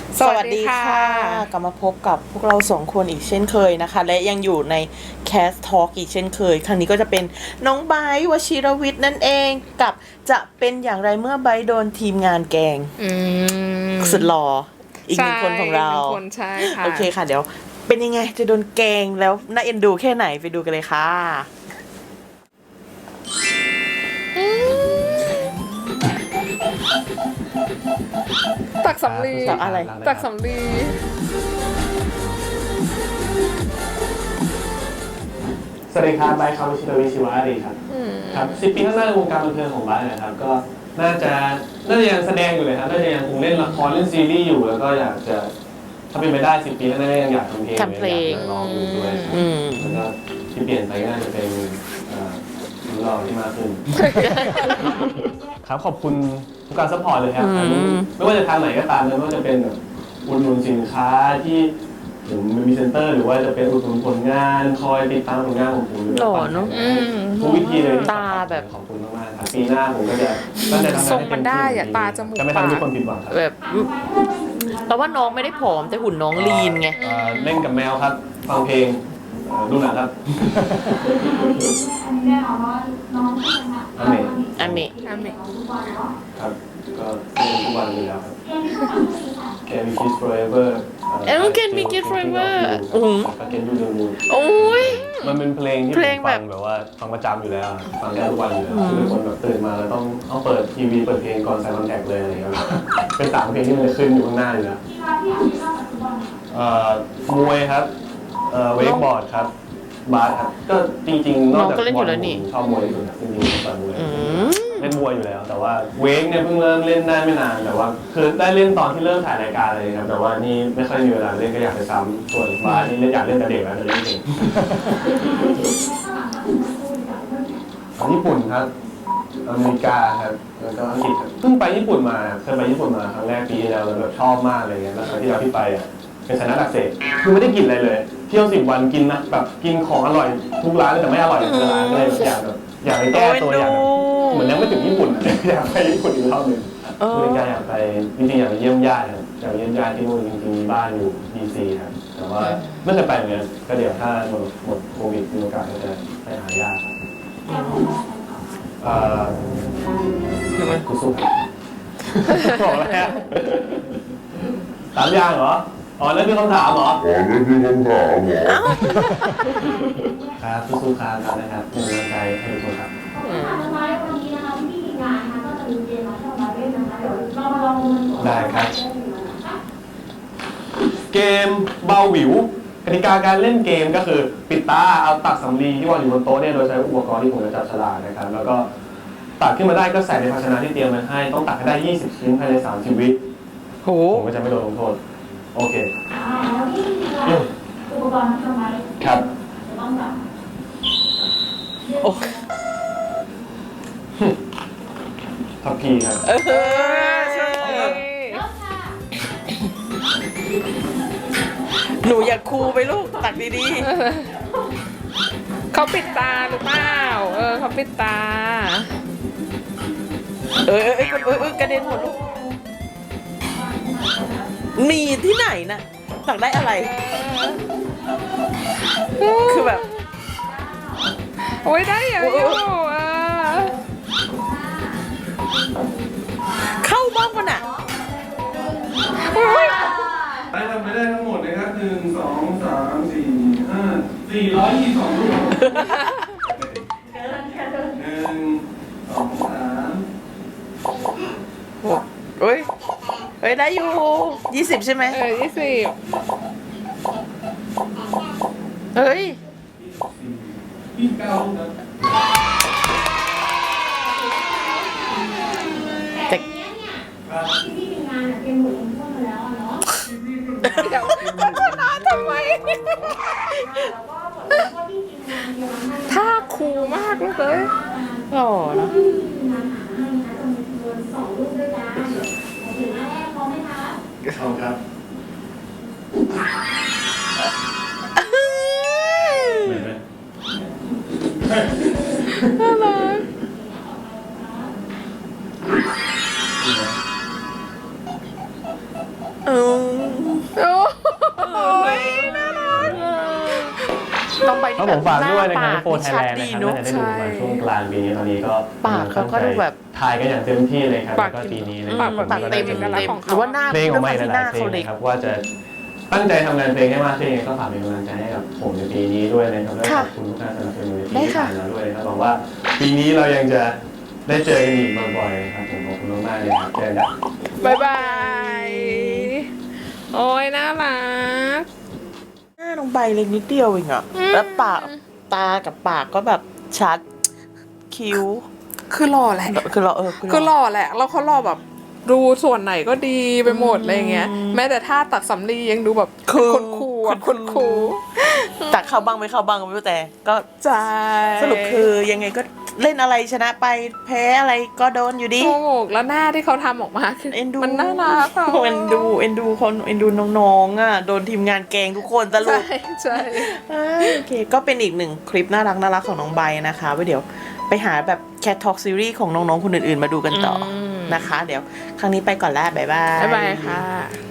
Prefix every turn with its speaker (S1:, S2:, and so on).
S1: สวัสดีค่ะกลับมาพบกับพวกเราสองคนอีกเช่นเคยนะคะ และยังอยู่ใน Cast Talk อีกเช่นเคย ครั้งนี้ก็จะเป็นน้องไบร์ทวชิรวิทย์นั่นเองกับจะเป็นอย่างไรเมื่อไบร์ทโดนทีมงานแกล้งสุดหล่ออีกหนึ่งคนของเรา
S2: ใช่ค่ะ
S1: โอเคค่ะเดี๋ยวเป็นยังไงจะโดนแกล้งแล้วน่าเอ็นดูแค่ไหนไปดูกันเลยค่ะ
S2: ตักสำลี
S1: ตักอะไร
S2: ตักสำลี
S3: สวัสดีครับไบร์ทครับวชิรวิทย์ชีวอารีครับครับ10 ปีข้างหน้าในวงการบันเทิงของไบร์ทนะครับก็น่าจะยังแสดงอยู่เลยครับน่าจะยังคงเล่นละครเล่นซีรีส์อยู่แล้วก็อยากจะถ้าเป็นไปได้10 ปีข้างหน้ายังอยากทำเพลง
S1: ทำเพลง
S3: อยากร้องอยู่ด้วยครับแล้วก็ที่เปลี่ยนไปก็น่าจะเป็นเราที่มากขึ้น ครับขอบคุณทุกการซัพพอร์ตเลยครับไม่ว่าจะทางไหนก็ตามเลยไม่ว่าจะเป็นแบบอุดหนุนสินค้าที่ผมมีเซ็นเตอร์หรือว่าจะเป็นอุดหนุนผลงานคอยติดตามผลงานของผม
S1: หล่อเนอะ
S3: ทุกวิธีเลย
S1: ตาแบบ
S3: ขอบคุณมากๆครับปีหน้าผมก็จะตั้งใจทำงาน
S2: ทรงมันได้อะตาจมูก
S3: จะไม่ทำให้ทุกคนผิดหวังครับ
S1: แบบแต่ว่าน้องไม่ได้ผอมแต่หุ่นน้องลีนไง
S3: เล่นกับแมวครับฟังเพลงดูหนังครับอเม
S1: อันนี้
S2: อาเมะ
S3: ครับก็เล่นทุกวันอยู่แล้วครับ Can we kiss forever
S1: Can we kiss forever
S3: Can you do the moon
S1: โอ้ย
S3: มันเป็นเพลงที่
S1: เพลง
S3: ผม
S1: แบ
S3: ฟั
S1: บ
S3: งแบบว่าฟังประจำอยู่แล้วอะฟังได้ทุกวันอยู่แล้วคือเป็นคนแบบตื่นมาแล้วต้องเปิดทีวีเปิดเพลงก่อนใส่คอนแทคเลยอะไรอย่างเงี้ยเป็น3 เพลงที่มันจะขึ้นอยู่ข้างหน้าอยู่แล้วมวยครับเวกบอร์ดครับบาสครับก็จริงๆนอกจาก
S1: น้องก็เล่นอยู่แล้วนี่
S3: ผมชอบมวยที่สุดครับจริงๆผมต่อยมวยเล่นมวยอยู่แล้ว แต่ว่าเวกเนี่ยเพิ่งเริ่มเล่นได้ไม่นานแต่ว่าคือได้เล่นตอนที่เริ่มถ่ายรายการเลยครับแต่ว่านี่ไม่ค่อยมีเวลาเล่นก็อยากไปซ้ำส่วนบาสนี่อยากเล่นแต่เด็กแล้วแต่เล่นเก่ง ญี่ปุ่นครับอเมริกาครับแล้วก็อังกฤษครับเพิ่งไปญี่ปุ่นมาเคยไปญี่ปุ่นมาครั้งแรกปีที่แล้วแล้วแบบชอบมากเลยแล้วครั้งที่แล้วที่ไปอ่ะเป็นไซนัสอักเสบคือไม่ได้กินอะไรเลยเที่ยว10 วันกินนะแบบกินของอร่อยทุกร้านเลยแต่ไม่อร่อยทุกร้านเลยอยากไปแก้ตัวอยากเหมือนยังไม่ถึงญี่ปุ่นอยากไปญี่ปุ่นอีกรอบหนึ่งคือการอยากไปจริงๆอยากไปเยี่ยมญาติครับอยากไปเยี่ยมญาติที่นู่นจริงๆมีบ้านอยู่ดีซีครับแต่ว่าไม่เคยไปเหมือนกันก็เดี๋ยวถ้าหมดโควิดมีโอกาสก็จะไปหาญาติครับกูสู้บอกแล้ว 3 อย่างเหรอ อ๋อนั่นคือคำถามเหรอ ครับสู้ๆครับนะครับเป็นกำลังใจให้ทุกคนครับได้ครับ เกมเบาหวิวกติกาการเล่นเกมก็คือปิดตาเอาตักสำลีที่วางอยู่บนโต๊ะเนี่ยโดยใช้อุปกรณ์ที่ผมจะจับฉลากนะครับแล้วก็ตักขึ้นมาได้ก็ใส่ในภาชนะที่เตรียมไว้ให้ต้องตักให้ได้20 ชิ้นภายใน30 วิ
S1: โห
S3: ผมก็จะไม่โดนลงโทษโอเค
S4: อุปกรณ์ทำไม
S3: ครับ
S4: จะต้องแบบ
S1: โอ้
S3: ทัพพีครับ
S1: ใช่
S4: เริ่มค่ะ
S1: หนูอยากคูไปลูกตักดี
S2: เขาปิดตาหรือเปล่าเขาปิดตา
S1: ๆกระเด็นหมดลูกมีที่ไหนน่ะตักได้อะไร คือแบบ
S2: โอ้ยได้เยอะอยู่
S1: เข้าบ้างมันอ่ะ
S3: ได้ทำไปได้ทั้งหมดนะครับ1 2 3 4 5 422 ลูก 1 2 3
S1: เฮ้ยได้อยู่20ใช่ไหม
S2: 20
S1: เฮ้ย
S3: 29 ลูกครับ
S4: แต่เนี้ยเนี่ยที่พี่มีงานเตรียมหมดลงโทษมาแล้วเนาะ
S2: เดี๋ยวมันชนะทำไม
S4: แล้วก็บทลงโทษที่ทีมงานเตรียมมาให้
S2: ท่าคูลมากลูกเอ้ย
S1: หล่อเนอะ
S4: ที่ทีมงานหาให้นะคะจำนวน2 รูปด้วยกันโอเคหน้าแรกพร้อมไหมคะ
S3: เอาครับเหมือนไหม
S2: น่ารัก
S1: อืมน้องใบ
S3: ก็
S1: ที่
S3: ผมฝากด้วยนะครับ
S1: ปาก
S3: โฟร์ไทย
S1: ชัด
S3: แลนด์
S1: ดี
S3: นะครับ
S1: เนาะ
S3: น่าจะได้ดูประมาณช่วงกลางปีนี้ตอนนี้ก็
S1: ปากเขาก็ดูแบบ
S3: ถ่ายกันอย่างเต็มที่เลยครับ
S2: ปาก
S3: แล้วก็ปีนี้นะ
S2: ปากแบบ
S1: ปากเต็ม
S2: เอกลักษณ์ของเขา
S1: หรือว่าหน้า
S3: เพลงออกมา
S1: ด้วย
S3: ห
S1: ห
S3: ลา
S1: น้าย
S3: ๆเพล
S1: เขา
S3: ง
S1: เล็ก
S3: นะครับว่าจะตั้งใจทำงานเพลงให้มากขึ้นยังไงก็ฝากเป็นกำลังใจให้กับผมในปีนี้ด้วยนะครับและขอบคุณทุกท่านสนับสนุนในปีที่ผ่านมาด้วยนะครับหวังว่าปีนี้เรายังจะได้เจอกันอีกบ่อยๆนะครับผมขอบคุณมากๆเลยครับเจอกันครับ
S2: บายบาย โอ้ยน่ารัก
S1: หน้าน้องใบเล็กนิดเดียวเองอะแล้วปากตากับปากก็แบบชัดคิ้ว
S2: คือหล่อแหละ
S1: คือเรา
S2: คือหล่อแหละ แล้วเขาหล่อแบบดูส่วนไหนก็ดีไปหมดอะไรเงี้ย แม้แต่ท่าตัดสำลียังดูแบบคนคูลอะคนคูล
S1: แต่เข้าบ้างไม่เข้าบ้างก็ไม่รู้แต่ก็
S2: ใช่
S1: สรุปคือยังไงก็เล่นอะไรชนะไปแพ้อะไรก็โดนอยู่ดี
S2: ถูกแล้วหน้าที่เขาทำออกมาคือ
S1: เอ็นดู
S2: มันน่ารักอะ
S1: เอ็นดูคนเอ็นดูน้องๆอ่ะโดนทีมงานแกล้งทุกคนสรุ
S2: ใช่
S1: ป
S2: ใช่
S1: โอเคก็เป็นอีกหนึ่งคลิปน่ารักของน้องใบนะคะไว้เดี๋ยวไปหาแบบ Cat Talk Series ของน้องๆคนอื่นๆมาดูกันต่ออนะคะ เดี๋ยวครั้งนี้ไปก่อนแล้วบ๊ายบาย
S2: บ๊ายบายค่ะ